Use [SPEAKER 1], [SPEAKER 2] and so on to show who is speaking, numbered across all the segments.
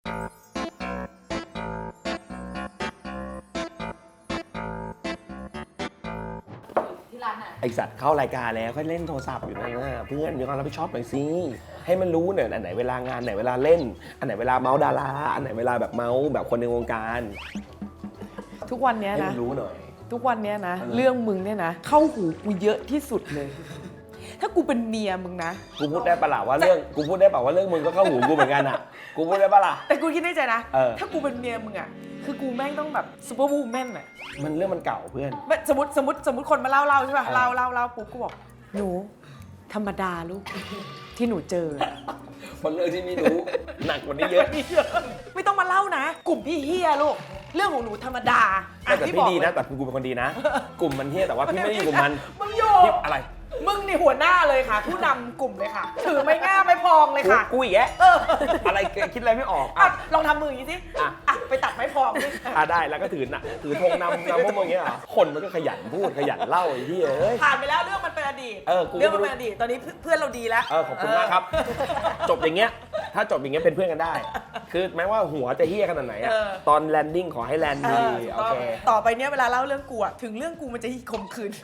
[SPEAKER 1] ไอสัตว์เข้ารายการแล้วก็เล่นโทรศัพท์อยู่นั่นนะเพื่อนมีความรับผิดชอบหน่อยสิให้มันรู้เนี่ยอันไหนเวลางานไหนเวลาเล่นอันไหนเวลาเมาส์ดาราอันไหนเวลาแบบเมาส์แบบคนในวงการ
[SPEAKER 2] ทุกวันนี้นะ
[SPEAKER 1] ให้มันรู้หน่อย
[SPEAKER 2] ทุกวันนี้นะเรื่องมึงเนี่ยนะเข้าหูกูเยอะที่สุดเลย ถ้ากูเป็นเมียมึงนะ
[SPEAKER 1] กูพูดได้ปะล่ะว่าเรื่องกูพูดได้ปะว่าเรื่องมึงก็เข้าหูกูเหมือนกันอ่ะกูพูดได้ปะล่ะ
[SPEAKER 2] แต่กูคิดในใจนะถ้ากูเป็นเมียมึงอ่ะคือกูแม่งต้องแบบซูเปอร์วูแมนอ่ะ
[SPEAKER 1] มันเรื่องมันเก่าเพื่อน
[SPEAKER 2] สมมติคนมาเล่าใช่ป่ะเล่าปุ๊บกูบอกหนูธรรมดาลูกที่หนูเจอ
[SPEAKER 1] มันเรื่องที่ไม่รู้หนักกว่านี้เยอะ
[SPEAKER 2] ไม่ต้องมาเล่านะกลุ่มพี่เฮียลูกเรื่องของหนูธรรมดา
[SPEAKER 1] แต่พี่ดีนะแต่กูเป็นคนดีนะกลุ่มมันเฮียแต่ว่าพี่ไม่ได้อยู่กับมัน
[SPEAKER 2] มึงโย
[SPEAKER 1] อะไร
[SPEAKER 2] มึงนี่หัวหน้าเลยค่ะผู้นำกลุ่มเลยค่ะถือไม่ง่าไม่พองเลยค่ะ
[SPEAKER 1] กูอีกแยะอะไรคิดอะไรไม่ออก
[SPEAKER 2] ลองทำมืออย่างนี้สิไปตัดไม้พองสิ
[SPEAKER 1] ได้แล้วก็ถือธงนำพวกมึงอย่างเงี้ยคนมันก็ขยันพูดขยันเล่าไอ้ที่
[SPEAKER 2] ผ่านไปแล้วเรื่องมันเป็นอดีตเรื่องมันเป็นอดีตตอนนี้เพื่อนเราดีแล้ว
[SPEAKER 1] ขอบคุณมากครับจบอย่างเงี้ยถ้าจบอย่างเงี้ยเป็นเพื่อนกันได้คือแม้ว่าหัวจะเฮี้ยขนาดไหนตอนแลนดิ้งขอให้แลนด์ดีโอเค
[SPEAKER 2] ต่อไปเนี้ยเวลาเล่าเรื่องกูถึงเรื่องกูมันจะข่มขืน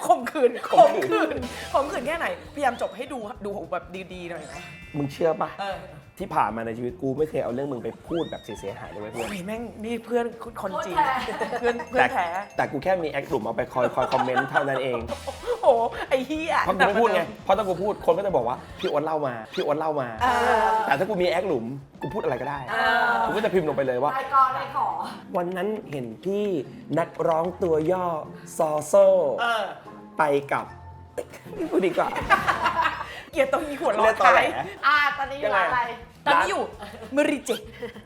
[SPEAKER 2] แค่ไหนพยายามจบให้ดูแบบดีๆหน่อยนะ
[SPEAKER 1] มึงเชื่อปะที่ผ่านมาในชีวิตกูไม่เคยเอาเรื่องมึงไปพูดแบบเสียหายเลยเพื่อน
[SPEAKER 2] แม่งนี่เพื่อนคนจริงเพื่อนแท้
[SPEAKER 1] แต่กูแค่มีแอคกลุ่มเอาไปคอยคอมเมนต์เท่านั้นเอง
[SPEAKER 2] โอ้ไอ้เหี้ย
[SPEAKER 1] เพราะกูไม่พูดไงเพราะถ้ากูพูดคนก็จะบอกว่าพี่อ้วนเล่ามาแต่ถ้ากูมีแอคหลุมกูพูดอะไรก็ได้กูก็จะพิมพ์ลงไปเลยว่าวันนั้นเห็นพี่นักร้องตัวย่อซอโซ่ไปกับนี่พูดดีกว่า
[SPEAKER 2] เกลียดตรงนี้หัวเราะท้าย
[SPEAKER 3] ตอนนี้อยู่อะไร
[SPEAKER 2] ตอนนี้อยู่มาริจิ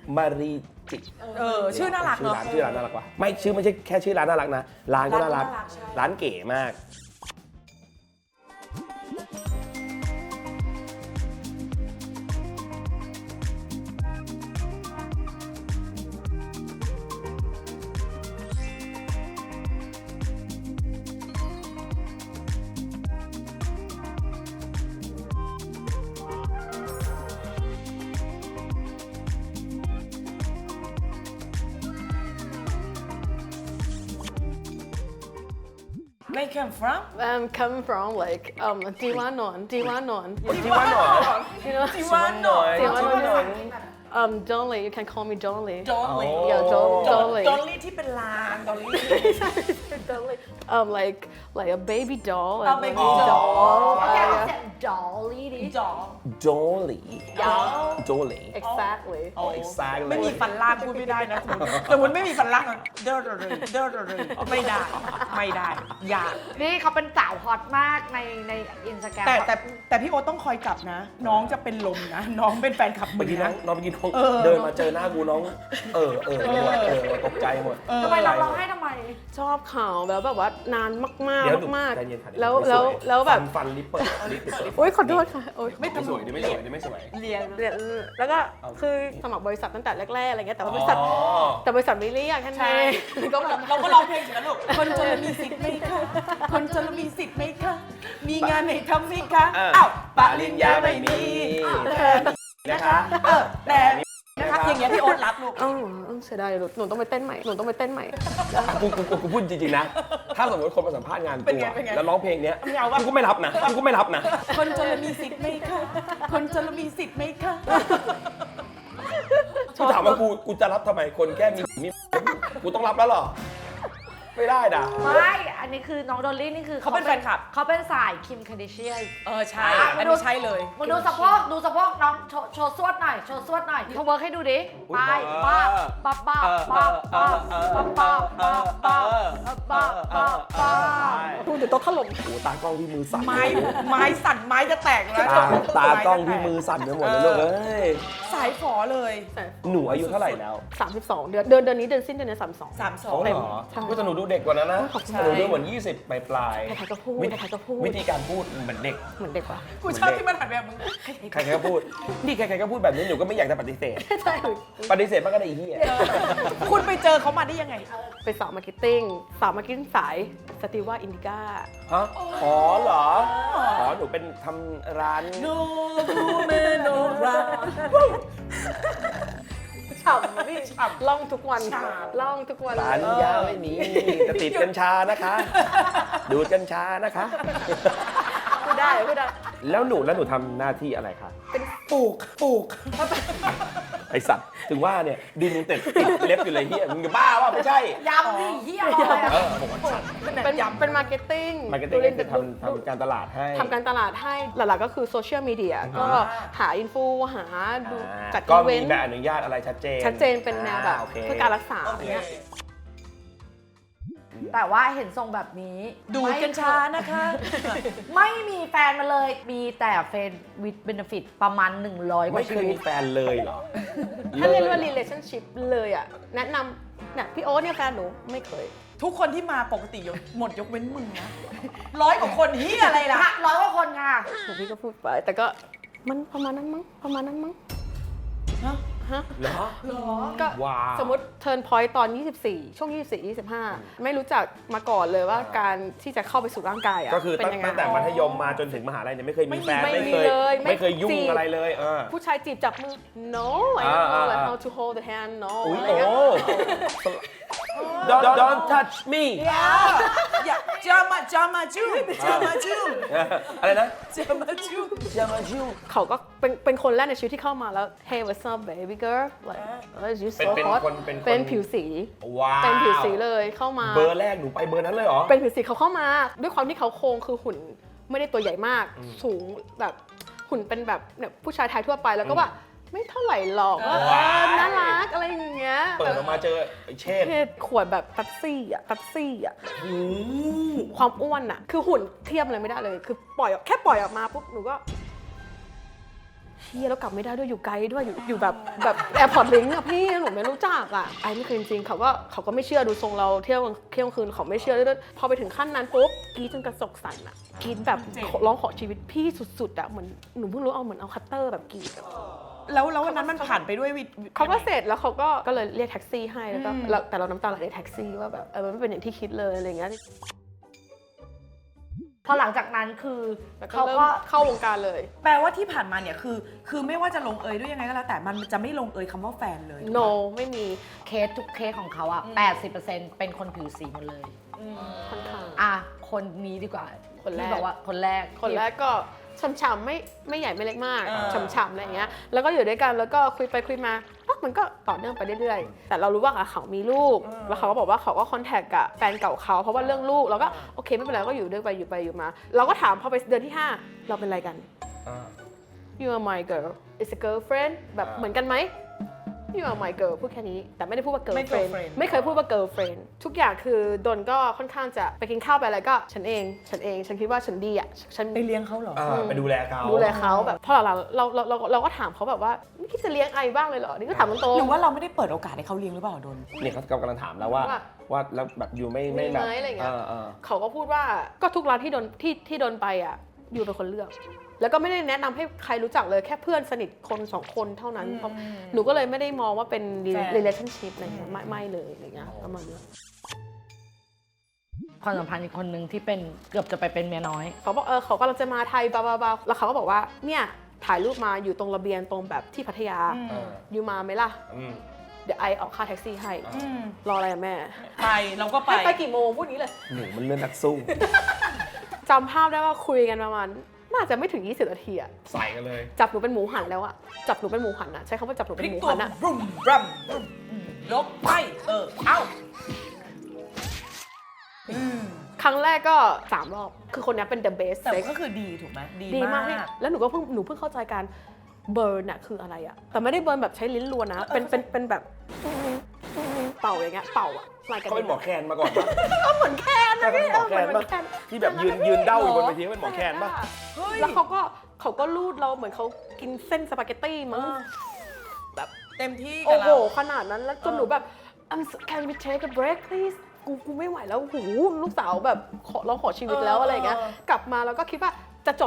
[SPEAKER 2] ชื่อน่ารักเนาะ
[SPEAKER 1] ชื่อร้านน่ารักว่ะไม่ชื่อไม่ใช่แค่ชื่อร้านน่ารักนะร้านก็น่ารักร้านเก๋มาก
[SPEAKER 2] Where come from?
[SPEAKER 3] Come from like Diwanon.
[SPEAKER 1] Diwanon.
[SPEAKER 3] You know
[SPEAKER 2] Diwanon.
[SPEAKER 3] Dolly. You can call me Dolly.
[SPEAKER 2] Dolly.
[SPEAKER 3] Yeah, Dolly.
[SPEAKER 2] Dolly ที่เป็นลาน Dolly.
[SPEAKER 3] Dolly. Like a baby doll.
[SPEAKER 2] A baby doll.
[SPEAKER 3] แก
[SPEAKER 2] Yeah.
[SPEAKER 3] เสียง Dolly ดิ
[SPEAKER 1] Dolly. Dolly.
[SPEAKER 3] Exactly.
[SPEAKER 1] Exactly.
[SPEAKER 2] ไม่มีฟันล่างพูดไม่ได้นะสมมติไม่มีฟันล่างเดอไม่ได้ยาก
[SPEAKER 3] นี่เขาเป็นสาวฮอตมากในอินสตาแกรม
[SPEAKER 2] แต่พี่โอ๊ตต้องคอยจับนะ น้องจะเป็นลมนะน้องเป็นแฟนคลับมึ
[SPEAKER 1] เมื่อง กี้
[SPEAKER 2] นะ
[SPEAKER 1] น้องเมื่อกี้น้องเดินมาเจอหน้ากูน้องตกใจหมด
[SPEAKER 3] ทำไมร้องไห้ทำไมชอบข่าวแบบว่านานมากแล้วแบบ
[SPEAKER 1] ฟันลิปเปิด
[SPEAKER 3] โอ๊ยขอโทษค่ะโอ๊ย
[SPEAKER 1] ไม่สวยดิไม่สวย
[SPEAKER 2] เรียน
[SPEAKER 3] แล้วก็คือสมัครบริษัทตั้งแต่แรกๆอะไรเงี้ยแต่ว่าบริษัทไม่เรียกแค่นั้นเอง
[SPEAKER 2] เราก็ร้องเพลงอยู่นะลูกคนจนมีสิทธิ์ไหมคะคนจนมีสิทธิ์ไหมคะมีงานให้ทำไหมคะอ้าวปริญญาไม่มี
[SPEAKER 1] นะคะ
[SPEAKER 2] แต่นะคะอย่างเงี้ยพี่โอ๊ตรับลูก
[SPEAKER 3] เสียดายหนูต้องไปเต้นใหม่
[SPEAKER 1] กูพูดจริงๆนะถ้าสมมติคนมาสัมภาษณ์งานกูแล้วร้องเพลงเนี้ยกูก็ไม่รับนะ
[SPEAKER 2] คนจนมีสิทธิ์ไหมคะคนจนมีสิทธิ์ไหมคะ
[SPEAKER 1] กูถามว่ากูจะรับทำไมคนแค่มีกูต้องรับแล้วหรอไม่ได้ด่ะ
[SPEAKER 3] ไม่อันนี้คือน้องดอลลี่นี่คือ
[SPEAKER 2] เขาเป็นแฟนคลับ
[SPEAKER 3] เขาเป็นสายคิมคาร์ดิเชียน
[SPEAKER 2] ใช่อันนี้ใช่เลย
[SPEAKER 3] มาดูสะโพกน้องโชว์สวดหน่อยโชว์เวิร์กให้ดูดิไปป้าดูเดี๋ยวโต๊ะถล่ม
[SPEAKER 1] โอ้ตากล้องที่มือสั่น
[SPEAKER 2] ไม้สั่นไม้จะแตกแล้ว
[SPEAKER 1] ตากล้องที่มือสั่นไปหมดเลยลูกเอ้ย
[SPEAKER 2] สายฝอเลย
[SPEAKER 1] หนูอายุเท่าไหร่แล้ว
[SPEAKER 3] 32เดือนนี้เดือนสิ้นเดือนนี้
[SPEAKER 1] 32เหรอก็จะหนูดูเด็กกว่านั้นนะหนูดูเหมือน20ปลาย
[SPEAKER 3] ใครก็พูด
[SPEAKER 1] วิธีการพูดเหมือนเด็ก
[SPEAKER 3] ว่ะ
[SPEAKER 2] กูชอบที่มันหันแบบมึง
[SPEAKER 1] ใครก็พูดนี่ใครก็พูดแบบนี้หนูก็ไม่อยากจะปฏิเสธปฏิเสธมันก็ได้อีเหี้ย
[SPEAKER 2] คุณไปเจอเขามาได้ยังไง
[SPEAKER 3] ไปสาวมาร์เก็ตติ้งสายสตีว่าอินดิก้า
[SPEAKER 1] ฮะอ๋อเหรอหนูเป็นทำร้าน
[SPEAKER 2] โนรูเมโนรา
[SPEAKER 3] ฉ่ำอะพี่ล่องทุกวันล่องทุกวัน
[SPEAKER 1] ปาลิญญาไม่มีจะติดกัญชานะคะ ดูดกัญชานะคะ
[SPEAKER 3] พูดได้
[SPEAKER 1] แล้วหนูทำหน้าที่อะไรคะ
[SPEAKER 2] ปลูก
[SPEAKER 1] ไอสัตว์ถึงว่าเนี่ยดินยังติดเล็บอยู่เลยเฮียมึงจะบ้าว่าไม่ใช่
[SPEAKER 2] ยำนี่เฮียเลย
[SPEAKER 1] ผมว่า
[SPEAKER 3] เป็นมาร์เก็ตติ้ง
[SPEAKER 1] มาร์เก็ตติ้งก็คือทำการตลาดให้
[SPEAKER 3] ทำการตลาดให้หลักๆก็คือโซเชียลมีเดียก็หาอินฟูหาดูจัด
[SPEAKER 1] ก็
[SPEAKER 3] อีเว
[SPEAKER 1] มี
[SPEAKER 3] นต์
[SPEAKER 1] ใบอนุญาตอะไรชัดเจน
[SPEAKER 3] ชัดเจนเป็นแนวแบบ
[SPEAKER 1] โอเค
[SPEAKER 3] เพื่อการรักษาอย่างเงี้ย
[SPEAKER 4] แต่ว่าเห็นทรงแบบนี้
[SPEAKER 2] ดูดกัญชานะคะ
[SPEAKER 4] ไม่มีแฟนมาเลย มีแต่เฟนวิดเบนฟิตประมาณ 100 ก
[SPEAKER 1] ไม่
[SPEAKER 4] ว่า
[SPEAKER 1] เค
[SPEAKER 4] ชี
[SPEAKER 1] ย
[SPEAKER 4] วิ
[SPEAKER 1] มี
[SPEAKER 4] ต
[SPEAKER 1] แฟนเลยเหรอ
[SPEAKER 3] ถ้าเรียกว่า relationship เลยอ่ะแนะนำเนี่ยพี่โอ๊ตเนี่ยแฟนหนูไม่เคย
[SPEAKER 2] ทุกคนที่มาปกติหมดยกเว้นมึงนะ100 กว่าคนเฮียอะไรล่ะ
[SPEAKER 4] 100 กว่าคนค่ะ
[SPEAKER 3] พี่ก็พูดไป แต่ก็มันประมาณนั้นมั้งฮะ
[SPEAKER 1] เหรอ
[SPEAKER 3] ก็
[SPEAKER 1] ว้าว
[SPEAKER 3] สมมติ turn point ตอน 24 ช่วง 24 25 ไม่รู้จักมาก่อนเลยว่าการที่จะเข้าไปสู่ร่างกายอ่ะ
[SPEAKER 1] ก็คือ
[SPEAKER 3] เป็นยังไง
[SPEAKER 1] ตั้งแต่มัธยมมาจนถึงมหาลัยเนี่ยไม่เคยมีแฟน
[SPEAKER 3] ไม่มี
[SPEAKER 1] ไม่เคย
[SPEAKER 3] เลย
[SPEAKER 1] ยุ่ง
[SPEAKER 3] จีบ
[SPEAKER 1] อะไรเลย
[SPEAKER 3] ผู้ชายจีบจับมือ no I don't know like how to hold the hand no
[SPEAKER 1] อุ้ย
[SPEAKER 3] อะไร
[SPEAKER 1] โอ้
[SPEAKER 3] เงี้ย
[SPEAKER 1] don't touch me
[SPEAKER 2] อย่าจามาจู
[SPEAKER 1] อะไรนะ
[SPEAKER 2] จามาจู
[SPEAKER 1] จะมาชิว
[SPEAKER 3] เขาก็เป็นคนแรกในชีวิตที่เข้ามาแล้ว hey what's up baby girl like you so
[SPEAKER 1] เป็น
[SPEAKER 3] hot
[SPEAKER 1] คนเป็นคน
[SPEAKER 3] เป็นผิวสี
[SPEAKER 1] ว้าว
[SPEAKER 3] เป็นผิวสีเลยเข้ามา
[SPEAKER 1] เบอร์แรกหนูไปเบอร์นั้นเลยเหรอ
[SPEAKER 3] เป็นผิวสีเขาเข้ามา ด้วยความที่เขาโครงคือหุ่นไม่ได้ตัวใหญ่มาก สูงแบบหุ่นเป็นแบบเนี่ยผู้ชายไทยทั่วไปแล้วก็ว่าไม่เท่าไหร่หรอกว่า
[SPEAKER 1] ว้าย
[SPEAKER 3] น่ารักอะไรอย่างเงี้ย
[SPEAKER 1] เปิดออกมาเจอไอ้เชษ
[SPEAKER 3] เพศขวดแบบเป๊ปซี่อ่ะความอ้วนอ่ะ คือหุ่นเทียบอะไรไม่ได้เลย คือแค่ปล่อยออกมาปุ๊บหนูก็เฮียแล้วกลับไม่ได้ด้วยอยู่ไกลด้วยอยู่แบบแอร์พอร์ตลิงก์อะพี่หนูไม่รู้จักอะไอ้ไม่เคยจริงๆเขาก็ไม่เชื่อดูทรงเราเที่ยวคืนเขาไม่เชื่อด้วยพอไปถึงขั้นนั้นปุ๊บกรีดจนกระจกสั่นอะกรีดแบบร้องขอชีวิตพี่สุดๆอะเหมือนหนูเพิ่งรู้เหมือนเอาคัตเตอร์แบบกรีด
[SPEAKER 2] แล้ววันนั้นมันผ่านไปด้วยวิ
[SPEAKER 3] เขาก็เสร็จแล้วเขาก็เลยเรียกแท็กซี่ให้แล้วก็แต่เราน้ำตาไหลในแท็กซี่ว่าแบบมันไม่เป็นอย่างที่คิดเลยอะไรเงี้ย
[SPEAKER 4] พอหลังจากนั้นคือ
[SPEAKER 3] แล้ว
[SPEAKER 4] เขา
[SPEAKER 3] เริ่
[SPEAKER 4] ก็
[SPEAKER 3] มเข้าวงการเลย
[SPEAKER 2] แปลว่าที่ผ่านมาเนี่ยคือไม่ว่าจะลงเอยด้วยยังไงก็แล้วแต่มันจะไม่ลงเอยคำว่าแฟนเลย
[SPEAKER 3] no ไม่มี
[SPEAKER 4] เคสทุกเคสของเขาอะ80%เป็นคนผิวสีหมดเลย
[SPEAKER 3] ค่อนข้าง
[SPEAKER 4] อ่ะ คนนี้ดีกว่า
[SPEAKER 3] คนแรก
[SPEAKER 4] ที่บอกว่าคนแรก
[SPEAKER 3] คนแรกก็ฉ่ำๆไม่ใหญ่ไม่เล็กมาก
[SPEAKER 2] เออ
[SPEAKER 3] ฉ่ำๆอะไรอย่างเงี้ยแล้วก็อยู่ด้วยกันแล้วก็คุยไปคุยมามันก็ต่อเนื่องไปเรื่อยๆแต่เรารู้ว่าเขามีลูกแล้วเขาก็บอกว่าเขาก็คอนแทคกับแฟนเก่าเขาเพราะว่าเรื่องลูกเราก็โอเคไม่เป็นไรก็อยู่ด้วยไปอยู่มาเราก็ถามพอไปเดือนที่ 5 เราเป็นอะไรกัน You are my girl is a girlfriend แบบเหมือนกันไหม You are my girl พูดแค่นี้แต่ไม่ได้พูดว่า girlfriend ไม่เคยพูดว่า girlfriend ทุกอย่างคือดนก็ค่อนข้างจะไปกินข้าวไปอะไรก็ฉันเองฉันคิดว่าฉันดีอ่ะฉัน
[SPEAKER 2] ไปเลี้ยงเขาเหรอ
[SPEAKER 1] ไปดูแลเขา
[SPEAKER 3] ดูแลเขาแบบพอหลังๆเราก็ถามเขาแบบว่าไม่คิดจะเลี้ยงไอบ้างเลยเหรอนี่ก็ถามตรงๆ
[SPEAKER 2] หรือว่าเราไม่ได้เปิดโอกาสให้เขาเลี้ยงหรือเปล่าโดน
[SPEAKER 1] เนี่ยเขากำลังถามแล้วว่าแล้วแบบอยู่ไม่
[SPEAKER 3] มี
[SPEAKER 1] แบบ
[SPEAKER 3] ไหมอะไรเงี้ย
[SPEAKER 1] เออ
[SPEAKER 3] เขาก็พูดว่าก็ทุกร้านที่โดนไปอ่ะอยู่เป็นคนเลือก แล้วก็ไม่ได้แนะนำให้ใครรู้จักเลยแค่เพื่อนสนิทคน2 คนเท่านั้นเพราะหนูก็เลยไม่ได้มองว่าเป็น relationship อะไรเงี้ยไม่เลยอะไรเงี้ยประมาณนี้
[SPEAKER 4] ความสัมพันธ์อีกคนนึงที่เป็นเกือบจะไปเป็นเมียน้อย
[SPEAKER 3] เขาบอกเขากำลังจะมาไทยบาแล้วเขาก็บอกว่าเนี่ยถ่ายรูปมาอยู่ตรงระเบียงตรงแบบที่พัทยาอยู่มาไหมล่ะเดี๋ยวไอออกค่าแท็กซี่ให้รออะไรอะแม่
[SPEAKER 2] ไปเราก็ไป
[SPEAKER 3] ให้ไปกี่โมงพูดนี้เลย
[SPEAKER 1] หนูมันเลื่อนนักสู้
[SPEAKER 3] จำภาพได้ว่าคุยกันประมาณน่าจะไม่ถึง20 นาทีอะ
[SPEAKER 1] ใส่กันเลย
[SPEAKER 3] จับหนูเป็นหมูหันแล้วอะจับหนูเป็นหมูหันอะใช้คำว่าจับหนู
[SPEAKER 2] พ
[SPEAKER 3] เป็
[SPEAKER 2] ลิ
[SPEAKER 3] น
[SPEAKER 2] ก
[SPEAKER 3] หมู
[SPEAKER 2] ตัว
[SPEAKER 3] หันอะ
[SPEAKER 2] รุ่มรัมยกไปเอ้า
[SPEAKER 3] ครั้งแรกก็3 รอบคือคนนี้เป็น the best
[SPEAKER 2] แต่
[SPEAKER 3] sex
[SPEAKER 2] ก็คือดีถูกไหม
[SPEAKER 3] ดีมากพี่แล้วหนูเพิ่งเข้าใจการเบิร์นอะคืออะไรอะแต่ไม่ได้เบิร์นแบบใช้ลิ้นรัวนะเป็นแบบเป่าอย่างเงี้ยเป่าอะลายกัน
[SPEAKER 1] เขาเป็นหมอแคนมาก่อนปะ
[SPEAKER 3] ก็เหมือนแคนนะพี่
[SPEAKER 1] เขาเป็นหมอแคนปะที่แบบยืนเด้าอยู่บนเวทีเป็นหมอแคนปะ
[SPEAKER 3] แล้วเขาก็ลูดเราเหมือนเขากินเส้นสปาเกตตี้มั้งแบบ
[SPEAKER 2] เต็มที่กั
[SPEAKER 3] โอ้
[SPEAKER 2] บ
[SPEAKER 3] โห
[SPEAKER 2] เรา
[SPEAKER 3] ขนาดนั้นแล้วจนหนูแบบ can we take a break please กูไม่ไหวแล้วหูลูกสาวแบบร้องขอชีวิตแล้วอะไรอย่างเงี้ยกลับมาแล้วก็คิดว่าจะจบมั้ง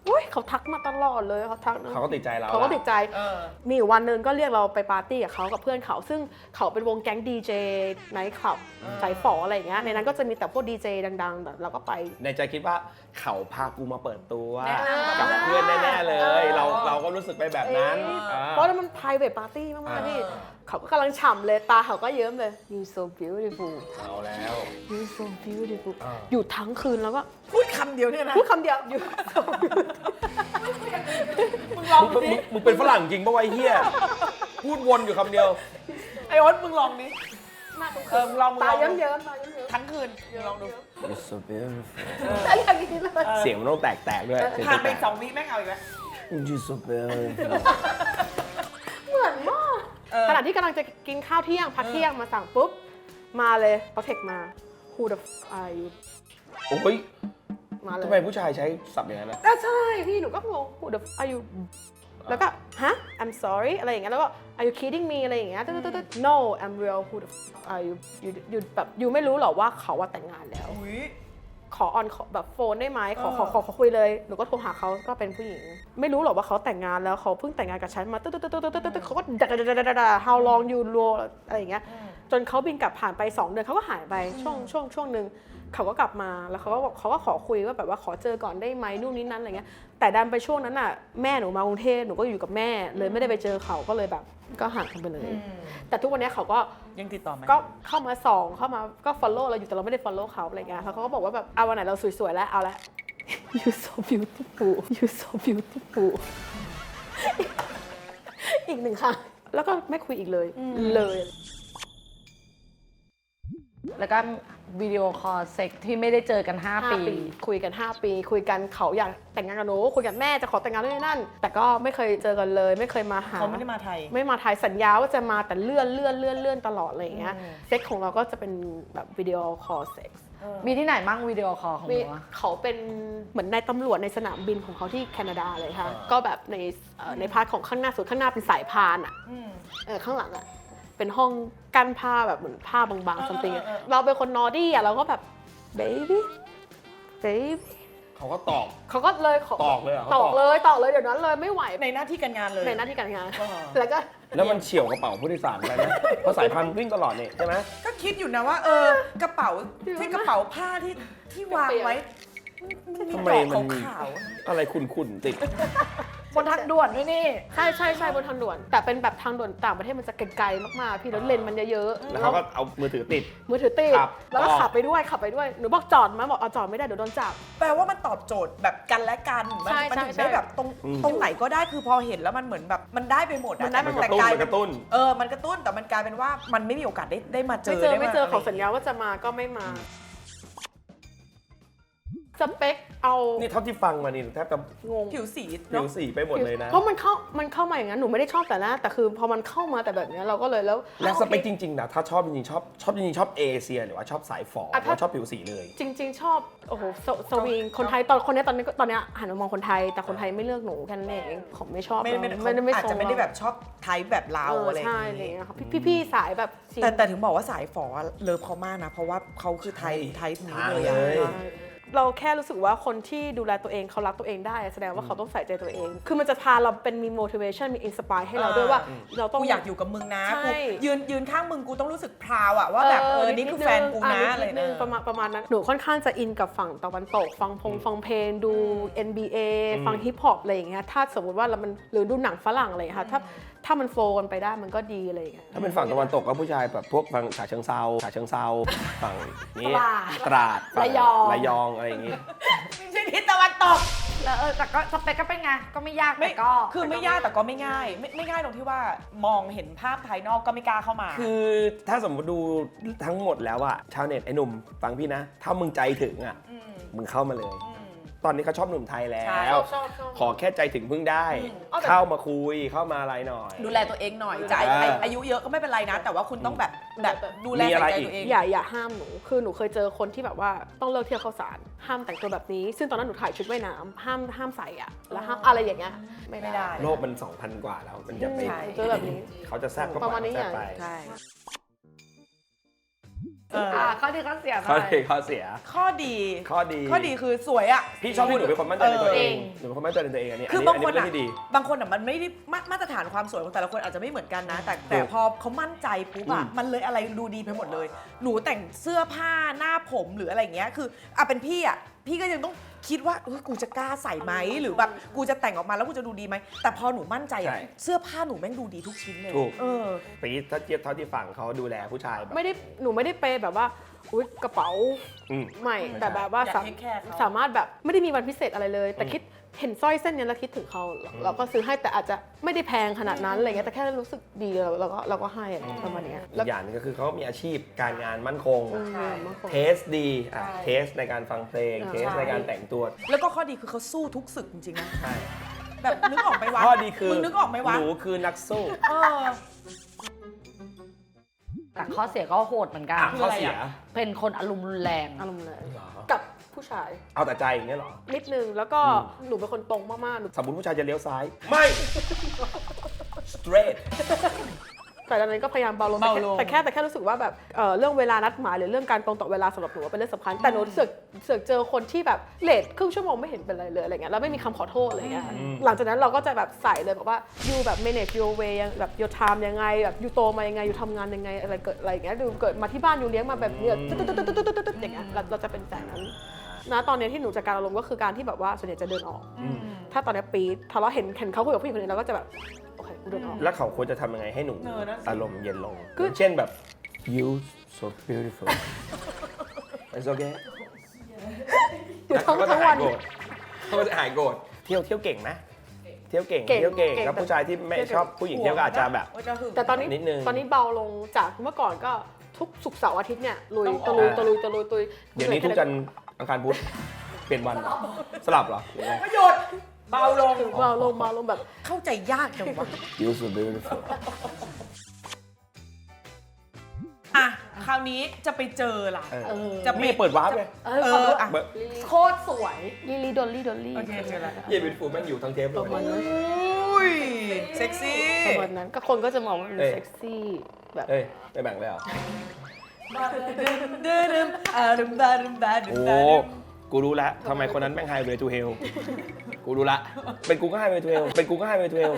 [SPEAKER 3] อุ๊ยเขาทักมาตลอดเลยเขาทักนะ
[SPEAKER 1] เขาก็ติดใจเรา
[SPEAKER 3] เขาก็ติดใจ
[SPEAKER 2] เออ
[SPEAKER 3] มีอยู่วันหนึ่งก็เรียกเราไปปาร์ตี้กับเขากับเพื่อนเขา ซึ่งเขาเป็นวงแก๊งดีเจไนท์คลับสายฝออะไรอย่างเงี้ยในนั้นก็จะมีแต่พวกดีเจดังๆแบบเราก็ไป
[SPEAKER 1] ในใจคิดว่าเขาพากูมาเปิดตัว
[SPEAKER 2] แนะนำ
[SPEAKER 1] กับเพื่อนแน่ๆเลย เราก็รู้สึกไปแบบนั้น
[SPEAKER 3] เพราะมัน private party มากๆพี่เขาก็กำลังฉ่ำเลยตาเขาก็เยิ้มเลย you so beautiful
[SPEAKER 1] เอาแล้ว
[SPEAKER 3] you so beautiful อยู่ทั้งคืนแล้วก็
[SPEAKER 2] พูดคำเดียวเนี่ยนะ
[SPEAKER 3] พูดคำเดียว you so beautiful
[SPEAKER 2] มึงลอง
[SPEAKER 1] มึง
[SPEAKER 2] ดิ
[SPEAKER 1] มึงเป็นฝรั่งจริงปะวะไอ้เฮียพูดวนอยู่คำเดียว
[SPEAKER 2] ไอโอ๊ตมึงลองดิ
[SPEAKER 3] หน้าตรง
[SPEAKER 2] เออมึงลองมึง
[SPEAKER 3] ตา
[SPEAKER 2] ลอง
[SPEAKER 3] เยิ้มๆตาเยิ้ม
[SPEAKER 2] ทั้งคืนมึงลองดู
[SPEAKER 1] You're so beautiful
[SPEAKER 3] ๆอะไรอย่างนี้เลย
[SPEAKER 1] เสียงมันต้องแตกๆด้วยเสียง
[SPEAKER 2] ผ่านไป
[SPEAKER 1] แตก
[SPEAKER 2] 2 วิแม่งเอาอีกแล้ว
[SPEAKER 1] ๆ You're so beautiful
[SPEAKER 3] เหมือนมาก ขณะที่กำลังจะกินข้าวเที่ยงพักเที่ยงมาสั่งปุ๊บ มาเลยเขาเทคมา Who the f are you
[SPEAKER 1] โอ้ย
[SPEAKER 3] มาเลย
[SPEAKER 1] ทำไมผู้ชายใช้ศัพท์อย่างนั้นนะ
[SPEAKER 3] ใช่พี่หนูก็งง Who the f are you แล้วก็ฮะ I'm sorry อะไรอย่างเงี้ยแล้วก็ Are you kidding me อะไรอย่างเงี้ยตึ๊ดๆ No I'm real Who the f are you you แบบยูไม่รู้หรอว่าเขาว่าแต่งงานแล้ว
[SPEAKER 2] อุ้ย
[SPEAKER 3] ขอออนแบบโฟนได้ไหมขอคุยเลยหนูก็โทรหาเขาก็เป็นผู้หญิง ไม่รู้หรอกว่าเขาแต่งงานแล้วเขาเพิ่งแต่งงานกับฉันมาตึ๊ดเขาก็ด่า how long you roll อะไรอย่างเงี้ยจนเขาบินกลับผ่านไป2 เดือนเขาก็หายไปช่วงหนึ่งเขาก็กลับมาแล้วเขาก็ขอคุยว่าแบบว่าขอเจอก่อนได้ไหมนู่นนี่นั่นอะไรเงี้ยแต่ดันไปช่วงนั้นน่ะแม่หนูมากรุงเทพหนูก็อยู่กับแม่เลยไม่ได้ไปเจอเขาก็เลยแบบก็ห่างกันไปเลย แต่ทุกวันนี้เขาก็
[SPEAKER 2] ยังติดต่อไหม
[SPEAKER 3] ก็เข้ามาส่องเข้ามาก็ follow เราอยู่แต่เราไม่ได้ follow เขาอะไรเงี้ยเขาก็บอกว่าแบบเอาวันไหนเราสวยๆแล้วเอาละ you so beautiful you so beautiful อีก1 ครั้งแล้วก็ไม่คุยอีกเลยเลย
[SPEAKER 4] แล้วก็วิดีโอคอลเซ็กที่ไม่ได้เจอกัน 5 ปี
[SPEAKER 3] คุยกัน 5 ปีคุยกันเขาอยากแต่งงานกับหนูคุยกับแม่จะขอแต่งงานด้วยนั่น แต่ก็ไม่เคยเจอกันเลยไม่เคยมาหา
[SPEAKER 2] เขาไม่ได้มาไทย
[SPEAKER 3] ไม่มาไทยสัญญาว่าจะมาแต่เลื่อนตลอดอะไรอย่างเงี้ยเซ็กของเราก็จะเป็นแบบวิดีโอคอลเซ็ก
[SPEAKER 4] มีที่ไหนมั่งวิดีโอคอลของหนูอะ
[SPEAKER 3] เขาเป็นเหมือนนายตำรวจในสนามบินของเขาที่แคนาดาเลยค่ะก็แบบในพาร์ทของข้างหน้าสุดข้างหน้าเป็นสายพานอ่ะข้างหลังอ่ะเป็นห้องกั้นผ้าแบบเหมือนผ้าบางๆ something อะเราเป็นคนนอดี้อ่ะเราก็แบบ baby
[SPEAKER 1] เขาก็ตอบ
[SPEAKER 3] เขาก็เลยขอ
[SPEAKER 1] ตอกเลยเหรอ
[SPEAKER 3] ตอกเลยเดี๋ยวนั้นเลยไม่ไหว
[SPEAKER 2] ในหน้าที่การงานเลย
[SPEAKER 3] ในหน้าที่การงาน
[SPEAKER 2] อ๋อ
[SPEAKER 3] แล้วก็
[SPEAKER 1] แล้วมันเฉี่ยวกระเป๋าผู้โดยสารไปไหมเพราะสายพันธุ์วิ่งตลอดนี่ใช่ไหม
[SPEAKER 2] ก็คิดอยู่นะว่า กระเป๋าที่กระเป๋าผ้าที่วางไว้มันมี
[SPEAKER 1] ทำไม
[SPEAKER 2] ดอก
[SPEAKER 1] มันมี
[SPEAKER 2] ขาว
[SPEAKER 1] อะไรขุ่นๆติด
[SPEAKER 4] บนทางด่วนด้วยนี่
[SPEAKER 3] ใช่บนทางด่วน แต่เป็นแบบทางด่วนต่างประเทศมันจะไกลๆมากๆพี่แล้วเลนมันเยอะๆ
[SPEAKER 1] แล้วเขาก็เอามือถือติด
[SPEAKER 3] มือถือติด
[SPEAKER 1] ครับ
[SPEAKER 3] แล้วก็
[SPEAKER 1] ต่อ
[SPEAKER 3] ขับไปด้วยหนูบอกจอดไหมบอกเอาจอดไม่ได้เดี๋ยวโดนจับ
[SPEAKER 2] แปลว่ามันตอบโจทย์แบบกันและกันมัน
[SPEAKER 3] ใช่
[SPEAKER 2] มัน
[SPEAKER 3] ใช่
[SPEAKER 2] ถึง
[SPEAKER 3] ใช่
[SPEAKER 2] ได้แบบตรงไหนก็ได้คือพอเห็นแล้วมันเหมือนแบบมันได้ไปหมดอะ
[SPEAKER 3] มันได้ไปหมด
[SPEAKER 2] แต่
[SPEAKER 1] มันกระตุ้น
[SPEAKER 2] มันกระตุ้นแต่มันกลายเป็นว่ามันไม่มีโอกาสได้มาเจอ
[SPEAKER 3] ไม่เจอ
[SPEAKER 2] ด้
[SPEAKER 3] เขาสัญญาว่าจะมาก็ไม่มา สเปคเอา
[SPEAKER 1] นี่เท่าที่ฟังมานี่แทบจะ
[SPEAKER 3] งง
[SPEAKER 2] ผิวสี
[SPEAKER 1] ผิ
[SPEAKER 2] เนาะ
[SPEAKER 1] วสีไปหมดเลยนะ
[SPEAKER 3] เพราะมันเข้ามาอย่างนั้นหนูไม่ได้ชอบแต่แรกแต่คือพอมันเข้ามาแต่แบบเนี้ยเราก็เลยแล้ว
[SPEAKER 1] และสเปคจริงๆนะถ้าชอบจริงๆชอบเอเชียหรือว่าชอบสายฝอหรือว่าชอบผิวสีเลย
[SPEAKER 3] จริง ๆ ชอบโอ้โหสวิงคนไทยตอนนี้หันมามองคนไทยแต่คนไทยไม่เลือกหนูแค่นั้นเองผมไม่ชอบ
[SPEAKER 2] ไม่
[SPEAKER 3] ทรง
[SPEAKER 2] อาจจะไม่ได้แบบชอบไทป์แบบเราอะไรอย่าง
[SPEAKER 3] ใช่อะไร
[SPEAKER 2] งี้
[SPEAKER 3] อย่างเงี้ยค่ะพี่สายแบบสี
[SPEAKER 2] แต่ถึงบอกว่าสายฝอเลิฟเขามากนะ เพราะว่าเขาคือไทป์นี้เลยอะ
[SPEAKER 1] ใช่
[SPEAKER 3] เราแค่รู้สึกว่าคนที่ดูแลตัวเองเขารักตัวเองได้แสดงว่าเขาต้องใส่ใจตัวเอง คือมันจะพาเราเป็นมี motivation มี inspire ให้เราด้วยว่าเราต้อง
[SPEAKER 2] กูอยากอยู่กับมึงนะ
[SPEAKER 3] ใช่
[SPEAKER 2] กูยืนข้างมึงกูต้องรู้สึกพราวอะว่าแบบนี่คือแฟนกูนะอะไร
[SPEAKER 3] นิดนึงประมาณนั้นหนูค่อนข้างจะอินกับฝั่งตะวันตกฟังเพลงดู NBA ฟังฮิปฮอปอะไรอย่างเงี้ยถ้าสมมติว่าหรือดูหนังฝรั่งอะไรอย่างเงี้ยค่ะถ้ามันโฟล์กันไปได้มันก็ดีอะไรอย่างเงี้ย
[SPEAKER 1] ถ้าเป็นฝั่งตะวันตกก็ผู้ชายแบบพวกฝั่งฉะเชิงเซาฝั่งนี้ตราดฝั่งระยองอะไรอย่างงี้
[SPEAKER 2] ไม่ใช่ทิศตะวันตก
[SPEAKER 4] แล้วแต่ก็สเปคก็เป็นไง ก็ไม่ยาก
[SPEAKER 2] ไม่
[SPEAKER 4] แต่ก็
[SPEAKER 2] คือไม่ยากแต่ก็ไม่ง่ายไม่ง่ายตรงที่ว่ามองเห็นภาพภายนอกก็ไม่กล้าเข้ามา
[SPEAKER 1] คือถ้าสมมติดูทั้งหมดแล้วอะชาวเน็ตไอ้หนุ่มฟังพี่นะ ถ้ามึงใจถึงอะมึงเข้ามาเลย ตอนนี้เขาชอบหนุ่มไทยแล้
[SPEAKER 2] ใช่
[SPEAKER 1] ว
[SPEAKER 3] ชอบ
[SPEAKER 1] ขอแค่ใจถึงพึ่งได้
[SPEAKER 2] เอาแต่
[SPEAKER 1] เข้ามาคุยเข้ามาอะไรหน่อย
[SPEAKER 2] ดูแลตัวเองหน่อยจะอายุเยอะก็ไม่เป็นไรนะ แต่ว่าคุณต้องแบบดูแล
[SPEAKER 1] มีอะไร
[SPEAKER 2] ใส่ใจ
[SPEAKER 1] อีก
[SPEAKER 2] ตัวเอง
[SPEAKER 3] อย่าห้ามหนูคือหนูเคยเจอคนที่แบบว่าต้องเลิกเที่ยวข้าวสารห้ามแต่งตัวแบบนี้ ซึ่งตอนนั้นหนูถ่ายชุดว่ายน้ำห้ามใส่อะแล้วห้ามอะไรอย่างเงี้ยไม่ได้
[SPEAKER 1] โลกมัน 2,000 กว่าแล้ว มันจะไป
[SPEAKER 2] ใช่
[SPEAKER 3] เจอแบบนี้
[SPEAKER 1] เขาจะแทรกก็
[SPEAKER 3] ประมาณนี้
[SPEAKER 1] แทรกไป
[SPEAKER 2] ใช่
[SPEAKER 4] ข้อดีข้อเสียหน่
[SPEAKER 1] ข้อ
[SPEAKER 4] อย
[SPEAKER 1] ดีข้อเสีย
[SPEAKER 2] ข้อดี
[SPEAKER 1] ข้อดี
[SPEAKER 2] ข้อดีคือสวยอ่ะ
[SPEAKER 1] พี่ชอบที่หนูเป็นคนมั่นใจในตัวเอง
[SPEAKER 4] เออ
[SPEAKER 1] หนูเป็นคนมั่นใจในตัวเองอันนี้
[SPEAKER 2] คื
[SPEAKER 1] อั
[SPEAKER 2] อน บาง
[SPEAKER 1] นี้
[SPEAKER 2] คน
[SPEAKER 1] เป็น
[SPEAKER 2] อ่ะ
[SPEAKER 1] เรื่องที่ดี
[SPEAKER 2] บางคนอ่ะมันไม่ได้มาตรฐานความสวยของแต่ละคนอาจจะไม่เหมือนกันนะ แต่พอเขามั่นใจปุ๊บอ่ะมันเลยอะไรดูดีไปหมดเลย หนูแต่งเสื้อผ้าหน้าผมหรืออะไรอย่างเงี้ยคือเป็นพี่อ่ะพี่ก็ยังต้องคิดว่ากูจะกล้าใส่ไหมหรือแบบกูจะแต่งออกมาแล้วกูจะดูดีไหมแต่พอหนูมั่นใจอ่ะ
[SPEAKER 1] ใช่
[SPEAKER 2] เสื้อผ้าหนูแม่งดูดีทุกชิ้นเลย
[SPEAKER 1] ถูก
[SPEAKER 2] เออ
[SPEAKER 1] ปีถ้าเทียบเท่าที่ฝั่งเขาดูแลผู้ชายแบบ
[SPEAKER 3] หนูไม่ได้เปย์แบบว่าอุ๊ยกระเป๋า
[SPEAKER 1] อืม
[SPEAKER 3] ใหม่แต่แบบว่า
[SPEAKER 2] อยากให้แค่เขา
[SPEAKER 3] สามารถแบบไม่ได้มีวันพิเศษอะไรเลย แต่คิดเห็นสร้อยเส้นเนี้ยแล้วคิดถึงเขาเราก็ซื้อให้แต่อาจจะไม่ได้แพงขนาดนั้นอะไรเงี้ยแต่แค่รู้สึกดีเราก็ให้อะไรประมาณเนี้ย
[SPEAKER 1] อีกอย่างหนึงก็คือเขามีอาชีพการงานมั่นคง เทสดีเทสในการฟังเพลง เทสในการแต่งตัว
[SPEAKER 2] แล้วก็ข้อดีคือเขาสู้ทุกศึกจริงๆนะ
[SPEAKER 1] ใช่
[SPEAKER 2] แบบนึกออกไหมวะ
[SPEAKER 1] ข้อดีคือ
[SPEAKER 2] มึงนึกออกไหมวะ
[SPEAKER 1] หนูคือนักสู้
[SPEAKER 2] เออ
[SPEAKER 4] แต่ข้อเสียก็โหดเหมือนกัน
[SPEAKER 1] ข้อเสีย
[SPEAKER 4] เป็นคนอารมณ์รุนแรง
[SPEAKER 3] อารมณ์เลย
[SPEAKER 1] เหรอ
[SPEAKER 3] กับผู้ชาย
[SPEAKER 1] เอาแต่ใจอย่างเงี้ยเหรอ
[SPEAKER 3] นิดนึงแล้วก็หนูเป็นคนตรงมากๆหนู
[SPEAKER 1] สมมติผู้ชายจะเลี้ยวซ้าย ไม่ straight
[SPEAKER 3] แต่ตอนนั้นก็พยายามเบาลง
[SPEAKER 2] เบาลง
[SPEAKER 3] แต่แค่รู้สึกว่าแบบเรื่องเวลานัดหมายหรือเรื่องการตรงต่อเวลาสำหรับหนูว่าเป็นเรื่องสำคัญแต่หนูเสือกเจอคนที่แบบเลทครึ่งชั่วโมงไม่เห็นเป็นไรเลยอะไรเงี้ยแล้วไม่มีคำขอโทษอะไรเงี้ยหลังจากนั้นเราก็จะแบบใส่เลยแบบว่า you แบบ manage your way แบบ your time ยังไงแบบ you โตมายังไง you ทำงานยังไงอะไรเกิดอะไรอย่างเงี้ยดูเกิดมาที่บ้าน you เลี้ยงมาแบบเนี้ยตึ๊ดๆๆๆๆอย่างเงี้ยเราจะเป็นแบบนั้นนะตอนนี้ที่หนูจัดการอารมณ์ก็คือการที่แบบว่าส่วนใหญ่จะเดินออก ถ้าตอนนี้ปี๊ดทะเลาะเห็นเขาคุยกับผู้หญิงคนนี้เราก็จะแบบโอเคกูเดินออก
[SPEAKER 1] แล้วเขาควรจะทำยังไงให้หนู
[SPEAKER 2] นั่นสิ
[SPEAKER 1] อารมณ์เย็นลง
[SPEAKER 3] คือ
[SPEAKER 1] เช่นแบบ you so beautiful it's okay
[SPEAKER 3] อยู่ทั้ง
[SPEAKER 1] เขาก็จะ
[SPEAKER 3] วั
[SPEAKER 1] หาน ยโกรธเขาก็จะหายโกรธเที่ยวเก่งไหมเที่ยวเก่ง
[SPEAKER 3] เก่ง
[SPEAKER 1] เที่ยวเก่ง
[SPEAKER 3] เก่ง
[SPEAKER 1] แล้วผู้ชายที่ไม่ชอบผู้หญิงเที่ยวก็อาจจะแบบ
[SPEAKER 3] แต่ตอนนี้
[SPEAKER 1] นิดนึง
[SPEAKER 3] ตอนนี้เบาลงจากเมื่อก่อนก็ทุกศุกร์เสาร์อาทิตย์เนี่ยลุย
[SPEAKER 2] ต้อง
[SPEAKER 3] ตะ
[SPEAKER 2] ออก
[SPEAKER 3] ลุยตุย
[SPEAKER 1] เดี๋ยวนี้ทุกจันทร์อังคารพุธเปลี่ยนวันสลับเหรอหรือไง
[SPEAKER 2] ประโยชน์เบาลง
[SPEAKER 3] เบาลงแบบ
[SPEAKER 2] เข้าใจยากจังวะ
[SPEAKER 1] you so beautiful
[SPEAKER 2] อ่ะคราวนี้จะไปเจอล่ะ จะไป
[SPEAKER 1] ไม่เปิดวาร์ปเลย
[SPEAKER 3] ขอดู
[SPEAKER 2] อ่ะ
[SPEAKER 1] เบอร์
[SPEAKER 4] โคตรสวย
[SPEAKER 3] ลิลี่ดอลลี่
[SPEAKER 2] โอเคเจอแล้ว
[SPEAKER 1] เยี่ยมเป็นฟูแม่งอยู่ทั้งเทปเล
[SPEAKER 3] ประมาณ
[SPEAKER 1] ย
[SPEAKER 3] นั้น
[SPEAKER 2] อุ้ยเซ็กซี่
[SPEAKER 3] ประมาณนั้นก็คนก็จะมองว่ามัน
[SPEAKER 1] เอ้ย
[SPEAKER 3] เซ็กซี่แบบ
[SPEAKER 1] เฮ้ยไม่แบ่งเลยเหรอ
[SPEAKER 2] เดิมดึมบาดึมบาดึม
[SPEAKER 1] โอ้
[SPEAKER 2] บาดึม
[SPEAKER 1] กูรู้ละทำไมคนนั้นแม่งไฮเวย์ทูเฮลกูรู้ละเป็นกูก็ไฮเวย์ทูเฮลเป็นกูก็ไฮเวย์ทูเฮล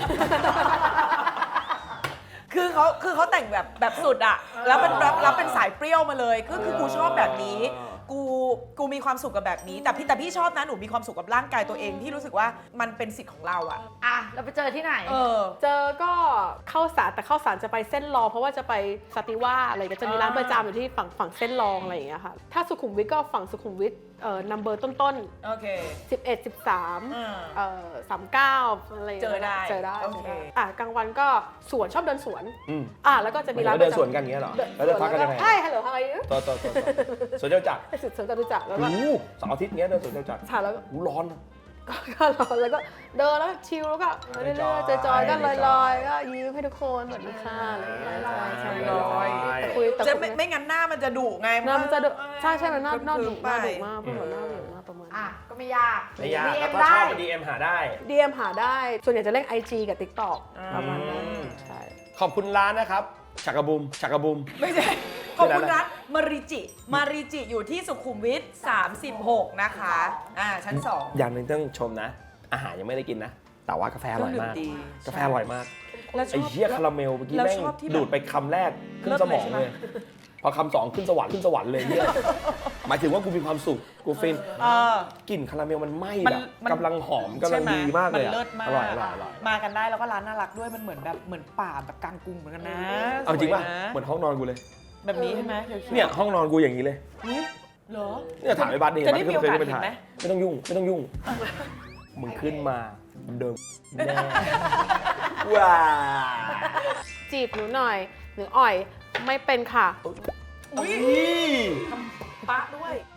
[SPEAKER 2] คือเขาแต่งแบบสุดอะแล้วเป็นสายเปรี้ยวมาเลยคือกูชอบแบบนี้ กูมีความสุขกับแบบนี้ แต่พี่ชอบนะหนูมีความสุขกับร่างกายตัวเองที่รู้สึกว่ามันเป็นสิทธิ์ของเราอะ
[SPEAKER 4] อ่ะ เราไปเจอที่ไหน
[SPEAKER 3] เจอก็เข้าสารแต่เข้าสารจะไปเส้นรองเพราะว่าจะไปสติว่าอะไรก็จะมีร้านประจำอยู่ที่ฝั่งเส้นรองอะไรอย่างเงี้ยค่ะถ้าสุขุมวิทก็ฝั่งสุขุมวิทนัมเบอร์ต้น
[SPEAKER 2] โอเค
[SPEAKER 3] 11 13 39อะไร
[SPEAKER 2] เจอได้
[SPEAKER 3] เจอได้
[SPEAKER 2] โอเค
[SPEAKER 3] กลางวันก็สวนชอบเดินสวน
[SPEAKER 1] อืม
[SPEAKER 3] แล้วก็จะมี
[SPEAKER 1] มี
[SPEAKER 3] ร้า
[SPEAKER 1] ร้าน น
[SPEAKER 3] ป
[SPEAKER 1] เดิ
[SPEAKER 3] ระ
[SPEAKER 1] น
[SPEAKER 3] จำ
[SPEAKER 1] สวนกันอย่างเงี้ยเหรอแล้วจะพักกันยังไง
[SPEAKER 3] ใช่ฮัลโหลอะไร
[SPEAKER 1] ต่อสวนเจ้าจักร
[SPEAKER 3] สุดสวนจตุจักรแล้วก็
[SPEAKER 1] โอ้โหเสาร์อาทิตย์เงี้ยเดินสวนเจ้าจักร
[SPEAKER 3] ถ่ายแล้วก็
[SPEAKER 1] โอ้โหร้อน
[SPEAKER 3] ก็ร้อนแล้วก็เดินแล้วก็ชิลแล้วก็เรื่อยๆจอยๆก็ลอยๆก็ยิ้มให้ทุกคนสวัสดีค่ะอะไรอย่างเงี้ยใช่
[SPEAKER 2] ลอย
[SPEAKER 3] แต่คุยแต่
[SPEAKER 2] จะ
[SPEAKER 3] คุย
[SPEAKER 2] ไม่งั้นหน้ามันจะดุไง
[SPEAKER 3] หน้ามันจะดุใช่มันหน้า
[SPEAKER 2] คึมๆ
[SPEAKER 3] ดุ
[SPEAKER 2] ไป
[SPEAKER 3] มากพูดเหมือนหน้าดุมากประมาณ
[SPEAKER 4] อ่ะ ก็ไม่ยาก
[SPEAKER 1] ไม่ยาก
[SPEAKER 4] DM
[SPEAKER 1] แล้วก็
[SPEAKER 4] ได้
[SPEAKER 1] ชอบมา DM หาได้
[SPEAKER 3] DM หาได้ ส่วนใหญ่จะเล่น IG กับ TikTok ประมาณนั้นใช่
[SPEAKER 1] ขอบคุณร้านนะครับชักกระบุม
[SPEAKER 2] ไม่ใช่ขอบคุณร้านมาริจิอยู่ที่สุขุมวิท36 นะคะชั้น 2
[SPEAKER 1] อย่างหนึงต้องชมนะ อาหารยังไม่ได้กินนะ แต่ว่ากาแฟอร่อยมาก
[SPEAKER 2] เครื่องดื่มดี
[SPEAKER 1] กาแฟอร่อยมาก
[SPEAKER 2] แล้วช
[SPEAKER 1] ไอ้
[SPEAKER 2] อบ
[SPEAKER 1] เหี้ยคาราเมลเมื่อกี้
[SPEAKER 2] แล้ว
[SPEAKER 1] แม่ง
[SPEAKER 2] ชอบที่แบบ
[SPEAKER 1] ดูดไปคำแรกขึ้น
[SPEAKER 2] เลิศ
[SPEAKER 1] สมอง
[SPEAKER 2] เลยใช่ไหม
[SPEAKER 1] เลย พอคำสองขึ้นสวรรค์เลยเหี้ยหมายถึงว่ากูมีความสุขกูฟิน กลิ่นคาราเมลมันไหม้
[SPEAKER 2] มัน
[SPEAKER 1] แบบ
[SPEAKER 2] มัน
[SPEAKER 1] กำลังหอมกำลังดีมากเลย
[SPEAKER 2] มัน
[SPEAKER 1] อะ
[SPEAKER 2] เลิศมาก
[SPEAKER 1] อร่อย
[SPEAKER 2] มากันได้แล้วก็ร้านน่ารักด้วยมันเหมือนป่าแบบกลางกรุงเหมือนกันนะ
[SPEAKER 1] เอาจริงป่ะ
[SPEAKER 2] สวยนะ
[SPEAKER 1] เหมือนห้องนอนกูเลย
[SPEAKER 2] แบบนี้ใช่ไหมขีวๆ
[SPEAKER 1] เนี่ยห้องนอนกูอย่างนี้เลย
[SPEAKER 2] อุ๊ยเหรอ
[SPEAKER 1] เนี่ยถามไอ้บัสดิ
[SPEAKER 2] จะได้มีโอกาส
[SPEAKER 1] ไป
[SPEAKER 2] เห็นไหม
[SPEAKER 1] ไม่ต้องยุ่งมึงขึ้นมาเดิมแน่ว้า
[SPEAKER 3] จีบหนูหน่อยหนูอ่อยไม่เป็นค่ะ
[SPEAKER 2] อุ้ย
[SPEAKER 1] อุ้ย
[SPEAKER 2] ปะด้วย